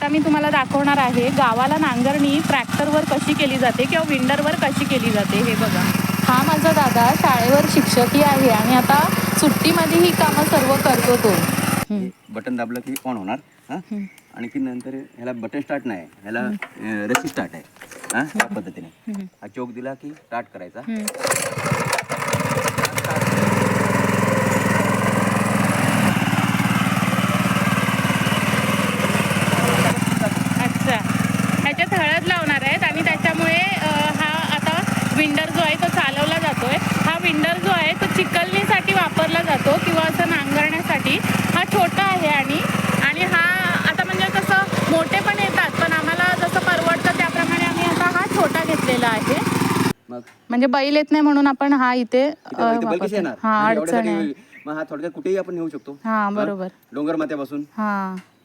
मी तुम्हाला दाखवणार आहे गावाला नांगरणी ट्रॅक्टरवर कशी केली जाते किंवा विंडरवर कशी केली जाते. हे बघा, हा माझा दादा शाळेवर शिक्षकही आहे आणि आता सुट्टीमध्ये ही कामं सर्व करतो तो. बटन दाबलं की ऑन होणार. आणि की नंतर ह्याला बटन स्टार्ट नाही, ह्याला रस्सी स्टार्ट आहे. या पद्धतीने हा चोक दिला की स्टार्ट करायचा. अच्छा, ह्याच्यात हळद लावणार आहेत आणि त्याच्यामुळे हा आता विंडर जो आहे तो चालवला जातोय. हा विंडर जो आहे तो चिकलणीसाठी वापरला जातो किंवा असं नांगरण्यासाठी. हा छोटा आहे आणि हा आता म्हणजे कसं मोठे पण येतात, पण आम्हाला जसं परवडतं त्याप्रमाणे आम्ही आता हा छोटा घेतलेला आहे. म्हणजे बैल येत नाही म्हणून आपण हा इथे वापरतो. हा, अडचण आहे. मग हा थोडक्यात कुठेही आपण नेऊ शकतो. हा, बरोबर. डोंगर माथ्यापासून हा